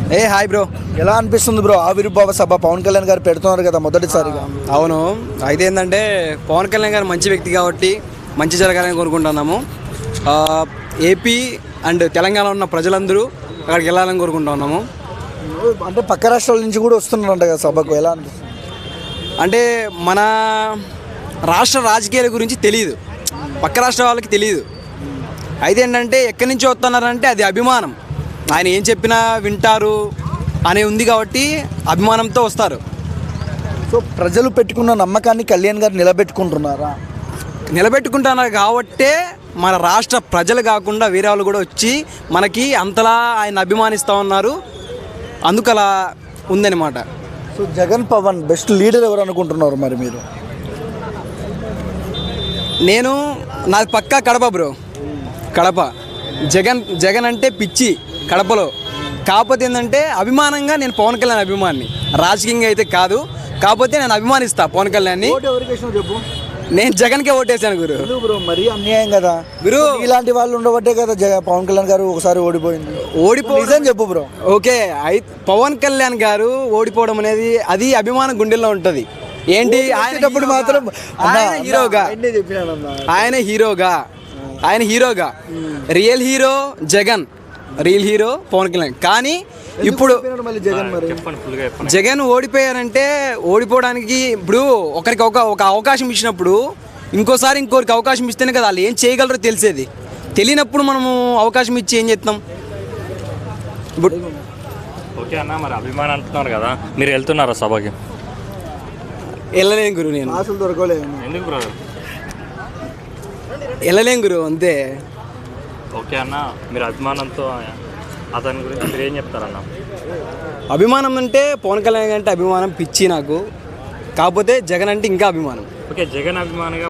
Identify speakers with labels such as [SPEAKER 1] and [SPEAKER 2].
[SPEAKER 1] Hi bro.
[SPEAKER 2] ఎలా అనిపిస్తుంది bro ఆవిర్భావ సభ పవన్ కళ్యాణ్ గారు పెడుతున్నారు కదా మొదటిసారిగా?
[SPEAKER 1] అవును, అయితే ఏంటంటే పవన్ కళ్యాణ్ గారు మంచి వ్యక్తి కాబట్టి మంచి జరగాలని కోరుకుంటున్నాము. ఏపీ అండ్ తెలంగాణలో ఉన్న ప్రజలందరూ అక్కడికి వెళ్ళాలని కోరుకుంటున్నాము.
[SPEAKER 2] అంటే పక్క రాష్ట్రాల నుంచి కూడా వస్తున్నారంట కదా సభకు, ఎలా అనిపిస్తుంది?
[SPEAKER 1] అంటే మన రాష్ట్ర రాజకీయాల గురించి తెలియదు, పక్క రాష్ట్ర వాళ్ళకి తెలియదు. అయితే ఏంటంటే ఎక్కడి నుంచి వస్తున్నారంటే అది అభిమానం, ఆయన ఏం చెప్పినా వింటారు అనే ఉంది కాబట్టి అభిమానంతో వస్తారు.
[SPEAKER 2] సో ప్రజలు పెట్టుకున్న నమ్మకాన్ని కళ్యాణ్ గారు
[SPEAKER 1] నిలబెట్టుకుంటున్నారు కాబట్టే మన రాష్ట్ర ప్రజలు కాకుండా వేరే వాళ్ళు కూడా వచ్చి మనకి అంతలా ఆయన అభిమానిస్తూ ఉన్నారు. అందుకు అలా ఉందన్నమాట.
[SPEAKER 2] So Jagan Pawan best leader ఎవరు అనుకుంటున్నారు మరి మీరు?
[SPEAKER 1] నాది పక్కా కడప బ్రో, కడప. జగన్ అంటే పిచ్చి కడపలో. కాకపోతే ఏంటంటే అభిమానంగా నేను పవన్ కళ్యాణ్ అభిమాని, రాజకీయంగా అయితే కాదు. కాకపోతే నేను అభిమానిస్తా పవన్ కళ్యాణ్ని.
[SPEAKER 2] చెప్పు.
[SPEAKER 1] నేను జగన్కే ఓటేసాను గురు.
[SPEAKER 2] బ్రో మరీ అన్యాయం కదా గురు, ఇలాంటి వాళ్ళు ఉండబట్టే కదా పవన్ కళ్యాణ్ గారు ఒకసారి ఓడిపోయింది. చెప్పు బ్రో.
[SPEAKER 1] ఓకే, పవన్ కళ్యాణ్ గారు ఓడిపోవడం అనేది అది అభిమానం గుండెల్లో ఉంటుంది. ఏంటి
[SPEAKER 2] ఆయనప్పుడు మాత్రం
[SPEAKER 1] ఆయన హీరోగా real hero Jagan, real hero Pawan Kalyan. కానీ ఇప్పుడు జగన్ ఓడిపోయారంటే ఓడిపోవడానికి ఇప్పుడు ఒకరికి ఒక అవకాశం ఇచ్చినప్పుడు ఇంకోరికి అవకాశం ఇస్తేనే కదా వాళ్ళు ఏం చేయగలరో తెలిసేది. తెలియనప్పుడు మనము అవకాశం ఇచ్చి ఏం చేస్తాం? ఇప్పుడు
[SPEAKER 3] ఓకే అన్న, మరి అభిమానం అంటున్నారు కదా, మీరు వెళ్తున్నారా సభకి?
[SPEAKER 1] వెళ్ళలేం గురు, నేను
[SPEAKER 2] అసలు దొరకలేదు.
[SPEAKER 3] ఎందుకు బ్రదర్?
[SPEAKER 1] వెళ్ళలేం గురు, అంతే.
[SPEAKER 3] ఓకే అన్న, మీరు అభిమానంతో అతని గురించి మీరు ఏం చెప్తారన్న?
[SPEAKER 1] అభిమానం అంటే పవన్ కళ్యాణ్ అంటే అభిమానం పిచ్చి నాకు. కాకపోతే జగన్ అంటే ఇంకా అభిమానం.
[SPEAKER 3] ఓకే, జగన్ అభిమానిగా